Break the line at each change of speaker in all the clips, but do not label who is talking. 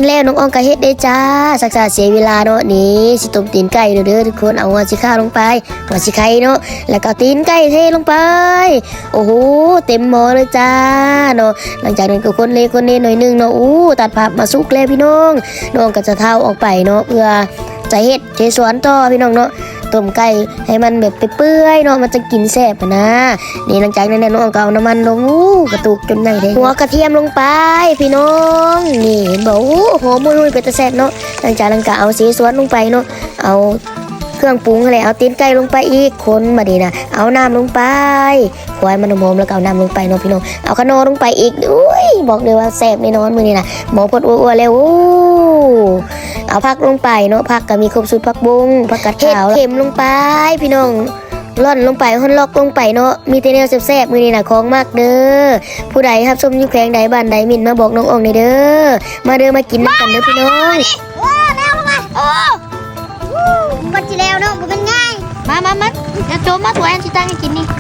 แล้วน้องอองก็เฮ็ดได้จ้าสักษาเสียเวลาเนาะนี่สิต้มตีนไก่เด้อทุกคนเอาหัวสิข้าลงไปหัวสิไข่เนาะแล้วก็ตีนไก่เทลงไปโอ้โหเต็มหม้อเลยจ้าเนาะหลังจากนั้นก็คนเล่หน่อยนึงเนาะตัดผักมาสุกแล้วพี่น้องน้องก็จะเท้าออกไปเนาะเพื่อจะเฮ็ดเจสวนต่อพี่น้องเนาะต้มไก่ให้มันแบบเปื่อยเนาะมันจะกินแซ่บนะนี่หลังจากนั้นน้องก็เอาน้ำมันลงกระตุกจนไหนได้หัวกระเทียมลงไปพี่น้องนี่เห็นบอกหอมมุ้ยเป็นตะแซ่บเนาะหลังจากนั้นก็เอาสีสวนลงไปเนาะเอาเครื่องปรุงอะไรเอาตีนไก่ลงไปอีกคนมาดีนะเอาน้ำลงไปควายมันหอมแล้วก็เอาน้ำลงไปเนาะพี่น้องเอาขนมลงไปอีกอุ้ยบอกเลยว่าแซ่บแน่นอนมื้อนี้นะหมอพดอ้วนๆแล้วเอาผักลงไปเนาะผักก็มีครบสูตรผักบุ้งผักกาดขาวเข็มลงไปพี่น้องร่อนลงไปฮอนล็อกลงไปเนาะมีแต่แนวแซ่บๆมื้อนี้น่ะของมากเด้อผู้ใดครับชมอยู่แขวงใดบ้านใดมินมาบอกน้องอองในเด้อมาเด้อมากินกันเด้อพี่น้อง
แล้วลงมามันจะแล้วเนาะมันง่ายมาจะโจมมาตัวแอนชิตังให้กินนี่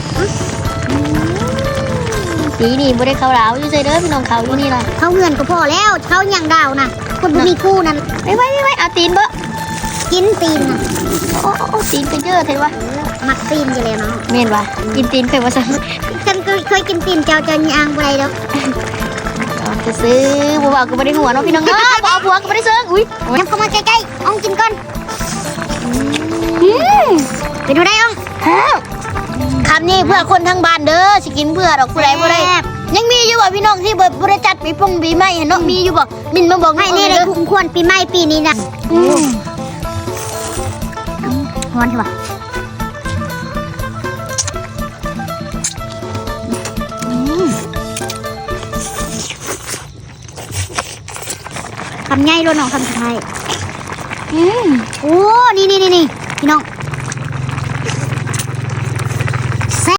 สีนี่บ่ได้เข้าดาวอยู่ใส่เด้อพี่น้องเขาอยู่นี่ล่ะ
เข้าเงินก็พอแล้วเข้าอย่างดาวนะคนบ่มีคู่นั่น
ไม่เอาตีนบ่
กินตีนนะ
โอ้ตีนเป็นเยอะเท่วะ
มักตีนจะแล้วเนาะ
แม่นวะกินตีนเป็นว่า
ฉันเคยกินตีนเจ้าย่างบ่ได้ดอก
จะซื้อบัวก็ไม่ได้หัวเนาะพี่น้องเนาะบัวก็ไม่ได้ซื้ออุ้ย
ยังเข้ามาใกล้ๆอ่องกินก่อนเป็นดูได้อ่อง
คำนี้เพื่อคนทั้งบ้านเด้อสิกินเพื่อดอกผู้ใดบ่ได้ยังมีอยู่บ่พี่น้องที่บ่ได้จัดปีพงปีใหม่เนาะมีอยู่บ่มินมาบอก
ให้นี่ได้คุ้มควรปีใหม่ปีนี้นะฮอนใช่ป่ะคำง่ายล้วนน้องคำสุดท้ายโอ้นี่พี่น้อง